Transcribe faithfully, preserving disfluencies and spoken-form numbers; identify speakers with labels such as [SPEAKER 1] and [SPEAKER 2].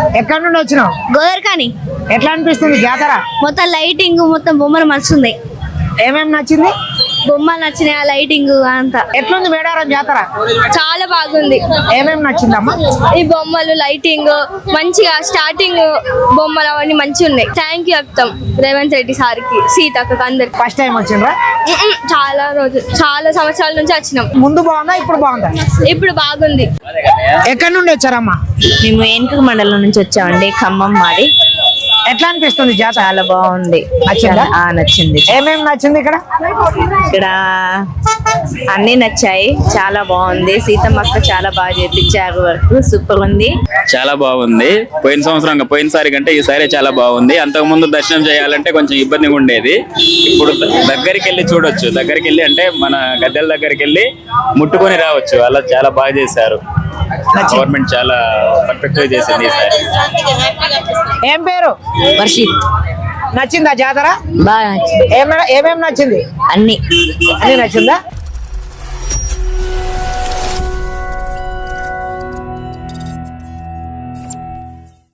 [SPEAKER 1] ఎక్కడి నుండి వచ్చినావు?
[SPEAKER 2] గోదర్కాని.
[SPEAKER 1] ఎట్లా అనిపిస్తుంది జాతర?
[SPEAKER 2] మొత్తం లైటింగ్ మొత్తం బొమ్మలు మస్తుంది.
[SPEAKER 1] ఏమేమి నచ్చింది?
[SPEAKER 2] బొమ్మలు నచ్చినాయి, ఆ లైటింగ్ అంతా.
[SPEAKER 1] ఎట్లుంది మేడారం జాతర?
[SPEAKER 2] చాలా బాగుంది.
[SPEAKER 1] ఏమేమి నచ్చిందమ్మా?
[SPEAKER 2] ఈ బొమ్మలు, లైటింగ్ మంచిగా, స్టార్టింగ్ బొమ్మలు అవన్నీ మంచిగా ఉన్నాయి. థ్యాంక్ యూ చెప్తాం రేవంత్ రెడ్డి సార్కి, సీతక్కకి, అందరికి.
[SPEAKER 1] ఫస్ట్ టైం వచ్చిండ్రా?
[SPEAKER 2] చాలా రోజులు, చాలా సంవత్సరాల నుంచి వచ్చినాం.
[SPEAKER 1] ముందు బాగుందా, ఇప్పుడు బాగుందా?
[SPEAKER 2] ఇప్పుడు బాగుంది.
[SPEAKER 1] ఎక్కడి నుండి వచ్చారమ్మా?
[SPEAKER 3] మేము ఏనుగు మండలం నుంచి వచ్చామండి, ఖమ్మం మాది.
[SPEAKER 1] ఎట్లా అనిపిస్తుంది జాతర?
[SPEAKER 3] చాలా బాగుంది.
[SPEAKER 1] నచ్చిందా?
[SPEAKER 3] ఆ, నచ్చింది.
[SPEAKER 1] ఏమేమి నచ్చింది ఇక్కడ?
[SPEAKER 3] ఇక్కడ అన్ని నచ్చాయి, చాలా బాగుంది. సీతమ్మక్క చాలా బాగా చేపించారు, వర్క్ సూపర్ ఉంది.
[SPEAKER 4] చాలా బాగుంది. పోయిన సంవత్సరం పోయినసారి కంటే ఈసారి చాలా బాగుంది. అంతకు ముందు దర్శనం చేయాలంటే కొంచెం ఇబ్బందిగా ఉండేది. ఇప్పుడు దగ్గరికి వెళ్ళి చూడొచ్చు. దగ్గరికి వెళ్ళి అంటే మన గద్దెల దగ్గరికి వెళ్ళి ముట్టుకొని రావచ్చు. అలా చాలా బాగా చేశారు. గవర్నమెంట్ చాలా పర్ఫెక్ట్ గా చేసింది ఈసారి.
[SPEAKER 1] ఏం పేరు?
[SPEAKER 3] వర్షిత్.
[SPEAKER 1] నచ్చిందా జాతర?
[SPEAKER 3] బాగా
[SPEAKER 1] ఏమేమి నచ్చింది?
[SPEAKER 3] అన్ని
[SPEAKER 1] అన్ని నచ్చిందా?